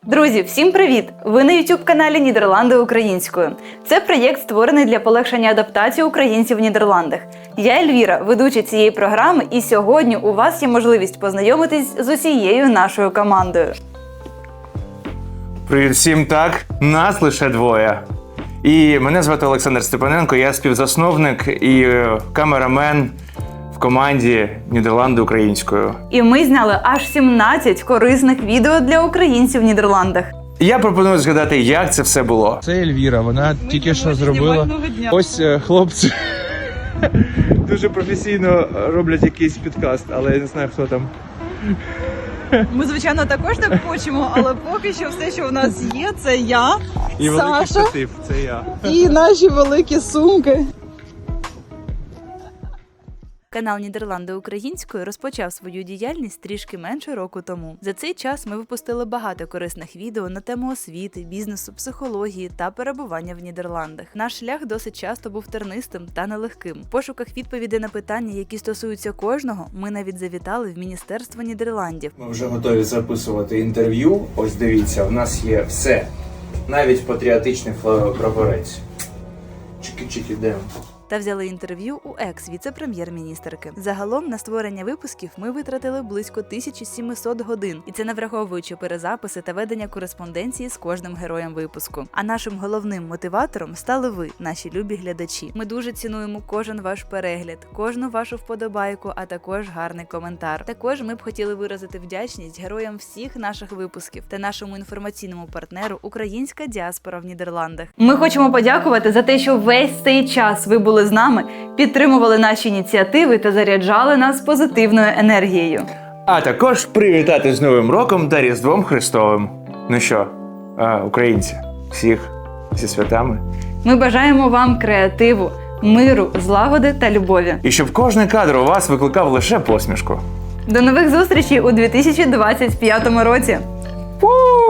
Друзі, всім привіт! Ви на YouTube-каналі Нідерланди українською. Це проєкт, створений для полегшення адаптації українців в Нідерландах. Я Ельвіра, ведуча цієї програми, і сьогодні у вас є можливість познайомитись з усією нашою командою. Привіт всім, так, нас лише двоє. І мене звати Олександр Степаненко, я співзасновник і камерамен в команді Нідерланди українською. І ми зняли аж 17 корисних відео для українців в Нідерландах. Я пропоную згадати, як це все було. Це Ельвіра, вона тільки що зробила. Ось хлопці дуже професійно роблять якийсь підкаст, але я не знаю, хто там. Ми, звичайно, також так хочемо, але поки що все, що в нас є, це я, І великий Саша штатив, це я. і наші великі сумки. Канал Нідерланди українською розпочав свою діяльність трішки менше року тому. За цей час ми випустили багато корисних відео на тему освіти, бізнесу, психології та перебування в Нідерландах. Наш шлях досить часто був тернистим та нелегким. В пошуках відповідей на питання, які стосуються кожного, ми навіть завітали в Міністерство Нідерландів. Ми вже готові записувати інтерв'ю. Ось дивіться, в нас є все. Навіть патріотичний прапорець. Чики-чики, де? Та взяли інтерв'ю у екс-віце-прем'єр-міністерки. Загалом на створення випусків ми витратили близько 1700 годин, і це не враховуючи перезаписи та ведення кореспонденції з кожним героєм випуску. А нашим головним мотиватором стали ви, наші любі глядачі. Ми дуже цінуємо кожен ваш перегляд, кожну вашу вподобайку, а також гарний коментар. Також ми б хотіли виразити вдячність героям всіх наших випусків та нашому інформаційному партнеру Українська діаспора в Нідерландах. Ми хочемо подякувати за те, що весь цей час ви були з нами, підтримували наші ініціативи та заряджали нас позитивною енергією. А також привітати з Новим роком та Різдвом Христовим. Ну що, українці, всіх зі святами. Ми бажаємо вам креативу, миру, злагоди та любові. І щоб кожний кадр у вас викликав лише посмішку. До нових зустрічей у 2025 році! Фу!